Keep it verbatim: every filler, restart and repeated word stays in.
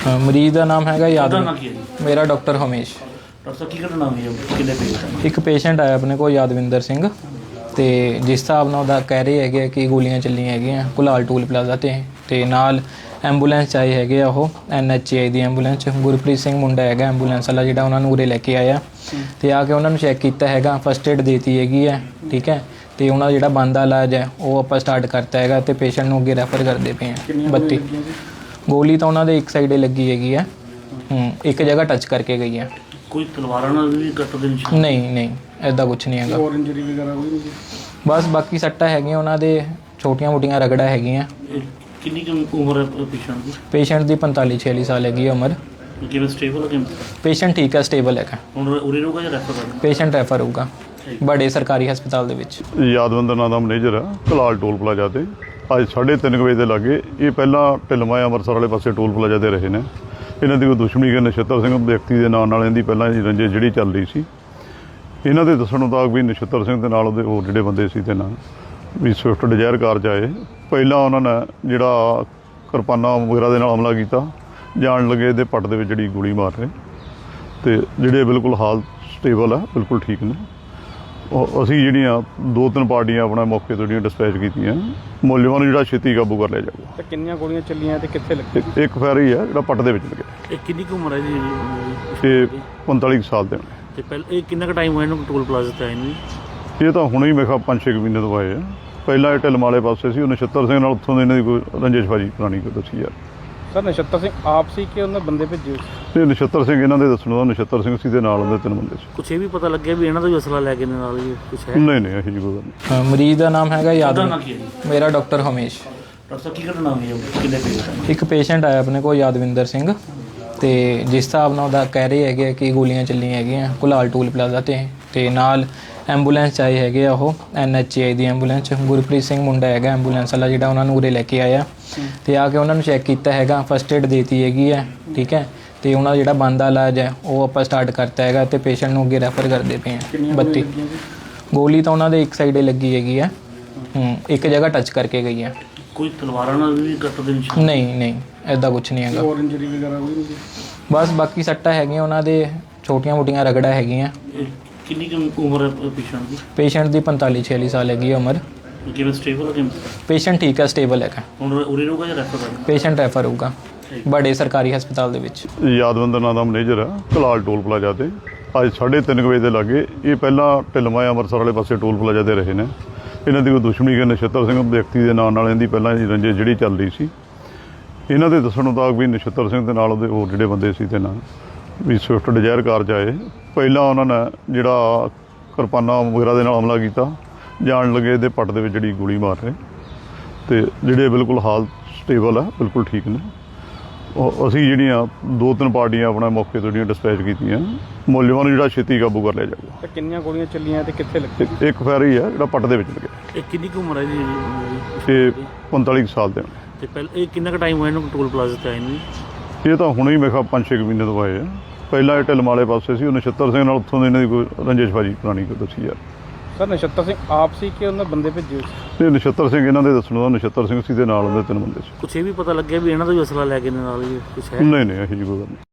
ਅ, ਮਰੀਜ਼ ਦਾ ਨਾਮ ਹੈਗਾ ਉਹਦਾ ਯਾਦਵ। ਨਾਂ ਕੀ ਹੈ ਜੀ? ਮੇਰਾ ਡਾਕਟਰ ਹਮੇਸ਼। ਡਾਕਟਰ ਸਾਹਿਬ ਕੀ ਘਟਨਾ ਹੋਈ ਹੈ? ਕਿੰਨੇ ਪੇਸ਼ੈਂਟ? ਇੱਕ ਪੇਸ਼ੈਂਟ ਆਇਆ ਆਪਣੇ ਕੋਲ ਯਾਦਵਿੰਦਰ ਸਿੰਘ, ਤੇ ਜਿਸ ਹਿਸਾਬ ਨਾਲ ਉਹਦਾ ਕਹਿ ਰਹੇ ਹੈਗੇ ਆ ਕਿ ਗੋਲੀਆਂ ਚੱਲੀਆਂ ਹੈਗੀਆਂ ਕੁਲਾਲ ਟੂਲ ਪਲਾਜ਼ਾ ਤੇ ਤੇ ਨਾਲ ਐਂਬੂਲੈਂਸ 'ਚ ਆਏ ਹੈਗੇ ਆ। ਉਹ N H I the ambulance 'ਚ ਗੁਰਪ੍ਰੀਤ ਸਿੰਘ ਮੁੰਡਾ ਹੈਗਾ ਐਂਬੂਲੈਂਸ ਵਾਲਾ, ਜਿਹੜਾ ਉਹਨਾਂ ਨੂੰ ਉਰੇ ਲੈ ਕੇ ਆਇਆ ਤੇ ਆ ਕੇ ਉਹਨਾਂ ਨੂੰ ਚੈੱਕ ਕੀਤਾ ਹੈਗਾ, ਫਸਟ ਏਡ ਦੇਤੀ ਹੈਗੀ ਹੈ। ਠੀਕ ਹੈ, ਤੇ ਉਹਨਾਂ ਦਾ ਜਿਹੜਾ ਬਣਦਾ ਇਲਾਜ ਹੈ ਉਹ ਆਪਾਂ ਸਟਾਰਟ ਕਰਤਾ ਹੈਗਾ ਤੇ ਪੇਸ਼ੈਂਟ ਨੂੰ ਅੱਗੇ ਰੈਫਰ ਕਰਦੇ ਪਏ ਹਾਂ। ਬੱਤੀ ਗੋਲੀ ਤਾਂ ਉਹਨਾਂ ਦੇ ਇੱਕ ਸਾਈਡੇ ਲੱਗੀ ਹੈਗੀ ਹੈ, ਹੂੰ ਇੱਕ ਜਗ੍ਹਾ ਟੱਚ ਕਰਕੇ ਗਈ ਹੈ। ਕੋਈ ਤਲਵਾਰਾਂ ਨਾਲ ਵੀ ਕੱਟ ਦੇ ਨਿਸ਼ਾਨ? ਨਹੀਂ ਨਹੀਂ ਐਦਾਂ ਕੁਝ ਨਹੀਂ ਹੈਗਾ। ਹੋਰ ਇੰਜਰੀ ਵਗੈਰਾ ਕੋਈ ਨਹੀਂ? ਬਸ ਬਾਕੀ ਸੱਟਾਂ ਹੈਗੀਆਂ ਉਹਨਾਂ ਦੇ, ਛੋਟੀਆਂ ਮੋਟੀਆਂ ਰਗੜਾ ਹੈਗੀਆਂ। ਇਹ ਕਿੰਨੀ ਕੁ ਉਮਰ ਹੈ ਪੇਸ਼ੈਂਟ ਦੀ? ਪੇਸ਼ੈਂਟ ਦੀ ਪੰਤਾਲੀ ਛਿਆਲੀ ਸਾਲ ਹੈਗੀ ਹੈ ਉਮਰ। ਕਿਵੇਂ ਸਟੇਬਲ ਹੈ ਕਿਵੇਂ? ਪੇਸ਼ੈਂਟ ਠੀਕ ਹੈ, ਸਟੇਬਲ ਹੈਗਾ। ਹੁਣ ਉਰੇ ਰਹੂਗਾ ਜਾਂ ਰੈਫਰ ਕਰਨਾ? ਪੇਸ਼ੈਂਟ ਰੈਫਰ ਹੋਊਗਾ ਬੜੇ ਸਰਕਾਰੀ ਹਸਪਤਾਲ ਦੇ ਵਿੱਚ। ਯਾਦਵਿੰਦਰ ਨਾਂ ਦਾ ਮੈਨੇਜਰ ਆ ਕਲਾਲ ਟੋਲ ਪਲਾਜ਼ਾ ਤੇ। ਅੱਜ ਸਾਢੇ ਤਿੰਨ ਵਜੇ ਦੇ ਲਾਗੇ ਇਹ ਪਹਿਲਾਂ ਢਿਲਮਾ ਅੰਮ੍ਰਿਤਸਰ ਵਾਲੇ ਪਾਸੇ ਟੋਲ ਪਲਾਜ਼ਾ ਤੇ ਰਹੇ ਨੇ। ਇਹਨਾਂ ਦੀ ਕੋਈ ਦੁਸ਼ਮਣੀ ਕਿ ਨਛੱਤਰ ਸਿੰਘ ਵਿਅਕਤੀ ਦੇ ਨਾਂ ਨਾਲ ਇਹਦੀ ਪਹਿਲਾਂ ਹੀ ਰੰਜਿਸ਼ ਜਿਹੜੀ ਚੱਲ ਰਹੀ ਸੀ। ਇਹਨਾਂ ਦੇ ਦੱਸਣ ਮੁਤਾਬਕ ਵੀ ਨਛੱਤਰ ਸਿੰਘ ਦੇ ਨਾਲ ਉਹਦੇ ਹੋਰ ਜਿਹੜੇ ਬੰਦੇ ਸੀ ਤੇ ਨਾਲ ਵੀ ਸਵਿਫਟ ਡਿਜ਼ਾਇਰ ਕਾਰ 'ਚ ਆਏ। ਪਹਿਲਾਂ ਉਹਨਾਂ ਨੇ ਜਿਹੜਾ ਕਿਰਪਾਨਾਂ ਵਗੈਰਾ ਦੇ ਨਾਲ ਹਮਲਾ ਕੀਤਾ, ਜਾਣ ਲੱਗੇ ਇਹਦੇ ਪੱਟ ਦੇ ਵਿੱਚ ਜਿਹੜੀ ਗੋਲੀ ਮਾਰ ਰਹੇ ਤੇ ਜਿਹੜੇ ਬਿਲਕੁਲ ਹਾਲ ਸਟੇਬਲ ਆ, ਬਿਲਕੁਲ ਠੀਕ ਨੇ। ਉਹ ਅਸੀਂ ਜਿਹੜੀਆਂ ਦੋ ਤਿੰਨ ਪਾਰਟੀਆਂ ਆਪਣਾ ਮੌਕੇ ਤੋਂ ਜਿਹੜੀਆਂ ਡਿਸਪੈਚ ਕੀਤੀਆਂ, ਮੁਲਜ਼ਮਾਂ ਨੂੰ ਜਿਹੜਾ ਛੇਤੀ ਕਾਬੂ ਕਰ ਲਿਆ ਜਾਊਗਾ। ਤੇ ਕਿੰਨੀਆਂ ਗੋਲੀਆਂ ਚੱਲੀਆਂ ਤੇ ਕਿੱਥੇ ਲੱਗੀ? ਇੱਕ- ਇੱਕ ਫੈਰ ਹੀ ਹੈ ਜਿਹੜਾ ਪੱਟ ਦੇ ਵਿੱਚ ਲੱਗਿਆ। ਇਹ ਕਿੰਨੀ ਕੁ ਉਮਰ ਹੈ ਜੀ? ਇਹ ਪੰਤਾਲੀ ਕੁ ਸਾਲ ਦੇ ਨੇ। ਤੇ ਪਹਿਲਾਂ ਇਹ ਕਿੰਨਾ ਕੁ ਟਾਈਮ ਹੋਇਆ ਇਹਨੂੰ ਟੋਲ ਪਲਾਜ਼ਾ ਤੇ ਆਏ ਨੂੰ? ਇਹ ਤਾਂ ਹੁਣੇ ਹੀ ਮੇਰੇ ਖਿਆਲ ਪੰਜ ਛੇ ਕੁ ਮਹੀਨੇ ਤੋਂ ਆਏ ਆ। ਪਹਿਲਾਂ ਇਹ ਢਿਲਮ ਵਾਲੇ ਪਾਸੇ ਸੀ, ਉਹ ਨਛੱਤਰ ਸਿੰਘ ਨਾਲ ਉੱਥੋਂ ਦੇ ਇਹਨਾਂ ਦੀ ਕੋਈ ਰੰਜੇਸ਼ਬਾਜੀ ਪੁਰਾਣੀ ਕੋਈ ਦੱਸੀ ਯਾਰ। ਸਰ ਨਛੱਤਰ ਸਿੰਘ ਆਪ ਸੀ ਕਿ ਉਹਨਾਂ ਬੰਦੇ ਭੇਜੇ ਹੋਏ ਸੀ? ਇਹ ਨਛੱਤਰ ਸਿੰਘ ਇਹਨਾਂ ਦੇ ਦੱਸਣ ਦਾ ਨਛੱਤਰ ਸਿੰਘ ਸੀ ਦੇ ਨਾਲ ਉਹਦੇ ਤਿੰਨ ਬੰਦੇ ਸੀ। ਕੁਛ ਇਹ ਵੀ ਪਤਾ ਲੱਗਿਆ ਵੀ ਇਹਨਾਂ ਦਾ ਵੀ ਅਸਲਾ ਲੈ ਕੇ ਨਾਲ ਹੀ ਕੁਛ ਹੈ? ਨਹੀਂ ਨਹੀਂ ਇਹੋ ਜਿਹੀ ਕੋਈ ਗੱਲ ਨਹੀਂ। ਅ, ਮਰੀਜ਼ ਦਾ ਨਾਮ ਹੈਗਾ ਉਹਦਾ ਯਾਦਵ। ਨਾਂ ਕੀ ਹੈ ਜੀ? ਮੇਰਾ ਡਾਕਟਰ ਹਮੇਸ਼। ਡਾਕਟਰ ਸਾਹਿਬ ਕੀ ਘਟਨਾ ਹੋਈ ਹੈ? ਕਿੰਨੇ ਪੇਸ਼ੈਂਟ? ਇੱਕ ਪੇਸ਼ੈਂਟ ਆਇਆ ਆਪਣੇ ਕੋਲ ਯਾਦਵਿੰਦਰ ਸਿੰਘ, ਤੇ ਜਿਸ ਹਿਸਾਬ ਨਾਲ ਉਹਦਾ ਕਹਿ ਰਹੇ ਹੈਗੇ ਆ ਕਿ ਗੋਲੀਆਂ ਚੱਲੀਆਂ ਹੈਗੀਆਂ ਕੁਲਾਲ ਟੂਲ ਪਲਾਜ਼ਾ ਤੇ ਤੇ ਨਾਲ ਐਂਬੂਲੈਂਸ 'ਚ ਆਏ ਹੈਗੇ ਆ। ਉਹ N H I the ambulance 'ਚ ਗੁਰਪ੍ਰੀਤ ਸਿੰਘ ਮੁੰਡਾ ਹੈਗਾ ਐਂਬੂਲੈਂਸ ਵਾਲਾ, ਜਿਹੜਾ ਉਹਨਾਂ ਨੂੰ ਉਰੇ ਲੈ ਕੇ ਆਇਆ ਤੇ ਆ ਕੇ ਉਹਨਾਂ ਨੂੰ ਚੈੱਕ ਕੀਤਾ ਹੈਗਾ, ਫਸਟ ਏਡ ਦੇਤੀ ਹੈਗੀ ਹੈ। ਠੀਕ ਹੈ, ਤੇ ਉਹਨਾਂ ਦਾ ਜਿਹੜਾ ਬਣਦਾ ਇਲਾਜ ਹੈ ਉਹ ਆਪਾਂ ਸਟਾਰਟ ਕਰਤਾ ਹੈਗਾ ਤੇ ਪੇਸ਼ੈਂਟ ਨੂੰ ਅੱਗੇ ਰੈਫਰ ਕਰਦੇ ਪਏ ਹਾਂ। ਬੱਤੀ ਗੋਲੀ ਤਾਂ ਉਹਨਾਂ ਦੇ ਇੱਕ ਸਾਈਡੇ ਲੱਗੀ ਹੈਗੀ ਹੈ, ਹੂੰ ਇੱਕ ਜਗ੍ਹਾ ਟੱਚ ਕਰਕੇ ਗਈ ਹੈ। ਕੋਈ ਤਲਵਾਰਾਂ ਨਾਲ ਵੀ ਕੱਟ ਦੇ ਨਿਸ਼ਾਨ? ਨਹੀਂ ਨਹੀਂ ਐਦਾਂ ਕੁਝ ਨਹੀਂ ਹੈਗਾ। ਹੋਰ ਇੰਜਰੀ ਵਗੈਰਾ ਕੋਈ ਨਹੀਂ? ਬਸ ਬਾਕੀ ਸੱਟਾਂ ਹੈਗੀਆਂ ਉਹਨਾਂ ਦੇ, ਛੋਟੀਆਂ ਮੋਟੀਆਂ ਰਗੜਾ ਹੈਗੀਆਂ। ਇਹ ਕਿੰਨੀ ਕੁ ਉਮਰ ਹੈ ਪੇਸ਼ੈਂਟ ਦੀ? ਪੇਸ਼ੈਂਟ ਦੀ ਪੰਤਾਲੀ ਛਿਆਲੀ ਸਾਲ ਹੈਗੀ ਹੈ ਉਮਰ। ਕਿਵੇਂ ਸਟੇਬਲ ਹੈ ਕਿਵੇਂ? ਪੇਸ਼ੈਂਟ ਠੀਕ ਹੈ, ਸਟੇਬਲ ਹੈਗਾ। ਹੁਣ ਉਰੇ ਰਹੂਗਾ ਜਾਂ ਰੈਫਰ ਕਰਨਾ? ਪੇਸ਼ੈਂਟ ਰੈਫਰ ਹੋਊਗਾ ਬੜੇ ਸਰਕਾਰੀ ਹਸਪਤਾਲ ਦੇ ਵਿੱਚ। ਯਾਦਵਿੰਦਰ ਨਾਂ ਦਾ ਮੈਨੇਜਰ ਆ ਕਲਾਲ ਟੋਲ ਪਲਾਜ਼ਾ ਤੇ। ਅੱਜ ਸਾਢੇ ਤਿੰਨ ਵਜੇ ਦੇ ਲਾਗੇ ਇਹ ਪਹਿਲਾਂ ਢਿਲਮਾ ਅੰਮ੍ਰਿਤਸਰ ਵਾਲੇ ਪਾਸੇ ਟੋਲ ਪਲਾਜ਼ਾ ਤੇ ਰਹੇ ਨੇ। ਇਹਨਾਂ ਦੀ ਕੋਈ ਦੁਸ਼ਮਣੀ ਕਿ ਨਛੱਤਰ ਸਿੰਘ ਵਿਅਕਤੀ ਦੇ ਨਾਂ ਨਾਲ ਇਹਦੀ ਪਹਿਲਾਂ ਹੀ ਰੰਜਿਸ਼ ਜਿਹੜੀ ਚੱਲ ਰਹੀ ਸੀ। ਇਹਨਾਂ ਦੇ ਦੱਸਣ ਮੁਤਾਬਕ ਵੀ ਨਛੱਤਰ ਸਿੰਘ ਦੇ ਨਾਲ ਉਹਦੇ ਹੋਰ ਜਿਹੜੇ ਬੰਦੇ ਸੀ ਤੇ ਨਾਲ ਵੀ ਸਵਿਫਟ ਡਿਜ਼ਾਇਰ ਕਾਰ 'ਚ ਆਏ। ਪਹਿਲਾਂ ਉਹਨਾਂ ਨੇ ਜਿਹੜਾ ਕਿਰਪਾਨਾਂ ਵਗੈਰਾ ਦੇ ਨਾਲ ਹਮਲਾ ਕੀਤਾ, ਜਾਣ ਲੱਗੇ ਇਹਦੇ ਪੱਟ ਦੇ ਵਿੱਚ ਜਿਹੜੀ ਗੋਲੀ ਮਾਰ ਰਹੇ ਤੇ ਜਿਹੜੇ ਬਿਲਕੁਲ ਹਾਲ ਸਟੇਬਲ ਆ, ਬਿਲਕੁਲ ਠੀਕ ਨੇ। ਉਹ ਅਸੀਂ ਜਿਹੜੀਆਂ ਦੋ ਤਿੰਨ ਪਾਰਟੀਆਂ ਆਪਣਾ ਮੌਕੇ ਤੋਂ ਜਿਹੜੀਆਂ ਡਿਸਪੈਚ ਕੀਤੀਆਂ, ਮੁਲਜ਼ਮਾਂ ਨੂੰ ਜਿਹੜਾ ਛੇਤੀ ਕਾਬੂ ਕਰ ਲਿਆ ਜਾਊਗਾ। ਤੇ ਕਿੰਨੀਆਂ ਗੋਲੀਆਂ ਚੱਲੀਆਂ ਤੇ ਕਿੱਥੇ ਲੱਗੀ? ਇੱਕ- ਇੱਕ ਫੈਰ ਹੀ ਹੈ ਜਿਹੜਾ ਪੱਟ ਦੇ ਵਿੱਚ ਲੱਗਿਆ। ਇਹ ਕਿੰਨੀ ਕੁ ਉਮਰ ਹੈ ਜੀ? ਇਹ ਪੰਤਾਲੀ ਕੁ ਸਾਲ ਦੇ ਨੇ। ਤੇ ਪਹਿਲਾਂ ਇਹ ਕਿੰਨਾ ਕੁ ਟਾਈਮ ਹੋਇਆ ਇਹਨੂੰ ਟੋਲ ਪਲਾਜ਼ਾ ਤੇ ਆਏ ਨੂੰ? ਇਹ ਤਾਂ ਹੁਣੇ ਹੀ ਮੇਰੇ ਖਿਆਲ ਪੰਜ ਛੇ ਕੁ ਮਹੀਨੇ ਤੋਂ ਆਏ ਆ। ਪਹਿਲਾਂ ਇਹ ਢਿਲਮ ਵਾਲੇ ਪਾਸੇ ਸੀ, ਉਹ ਨਛੱਤਰ ਸਿੰਘ ਨਾਲ ਉੱਥੋਂ ਦੇ ਇਹਨਾਂ ਦੀ ਕੋਈ ਰੰਜੇਸ਼ਬਾਜੀ ਪੁਰਾਣੀ ਕੋਈ ਦੱਸੀ ਯਾਰ। ਸਰ ਨਛੱਤਰ ਸਿੰਘ ਆਪ ਸੀ ਕਿ ਉਹਨਾਂ ਬੰਦੇ ਭੇਜੇ ਹੋਏ ਸੀ? ਇਹ ਨਛੱਤਰ ਸਿੰਘ ਇਹਨਾਂ ਦੇ ਦੱਸਣ ਦਾ ਨਛੱਤਰ ਸਿੰਘ ਸੀ ਦੇ ਨਾਲ ਉਹਦੇ ਤਿੰਨ ਬੰਦੇ ਸੀ। ਕੁਛ ਇਹ ਵੀ ਪਤਾ ਲੱਗਿਆ ਵੀ ਇਹਨਾਂ ਦਾ ਵੀ ਅਸਲਾ ਲੈ ਕੇ ਨਾਲ ਹੀ ਕੁਛ ਹੈ? ਨਹੀਂ ਨਹੀਂ ਇਹੋ ਜਿਹੀ ਕੋਈ ਗੱਲ ਨਹੀਂ।